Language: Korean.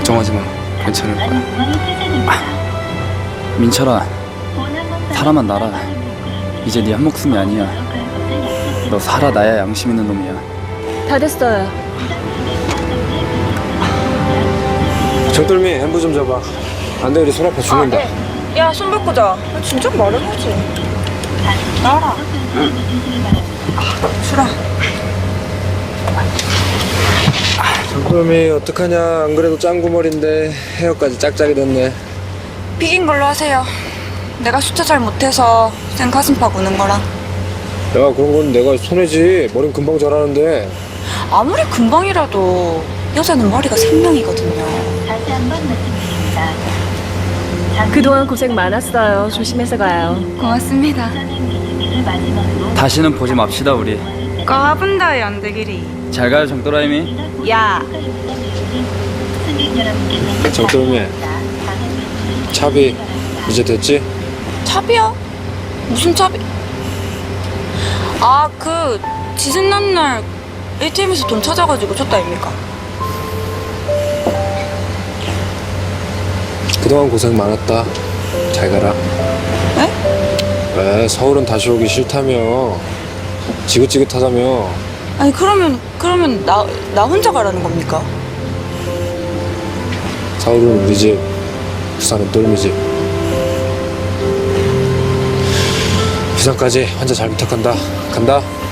걱정하지 마. 괜찮을 거야. 민철아, 사람은 나라. 이제 네 한 목숨이 아니야. 너 살아 나야 양심 있는 놈이야. 다 됐어요. 정돌미 엠부 좀 잡아. 안 돼, 우리 손 아파 죽는다. 야, 손 바꾸자. 진짜 말을 하지. 나와라. 수라. 정돌미 어떡하냐. 안 그래도 짱구머리인데 헤어까지 짝짝이 됐네. 비긴 걸로 하세요. 내가 숫자 잘 못해서 생 가슴팍 우는 거랑. 야, 그런 건 내가 손해지. 머린 금방 자라는데. 아무리 금방이라도 여자는 머리가 생명이거든요. 다시 한번 말씀드립니다. 그동안 고생 많았어요. 조심해서 가요. 고맙습니다. 를 마지막으로 다시는 보지 맙시다 우리. 까분다의 안되기리. 잘 가요 정도라이미. 야, 승객 여러분께서 정돌미 차비 이제 됐지? 차비야? 무슨 차비? 아, 그 지순난 날 ATM에서 돈 찾아가지고 줬다 아닙니까? 그동안 고생 많았다. 잘 가라. 네? 왜 서울은 다시 오기 싫다며. 지긋지긋하다며. 아니 그러면 나 혼자 가라는 겁니까? 서울은 우리 집, 부산은 똘미 집. 부산까지 환자 잘 부탁한다. 간다.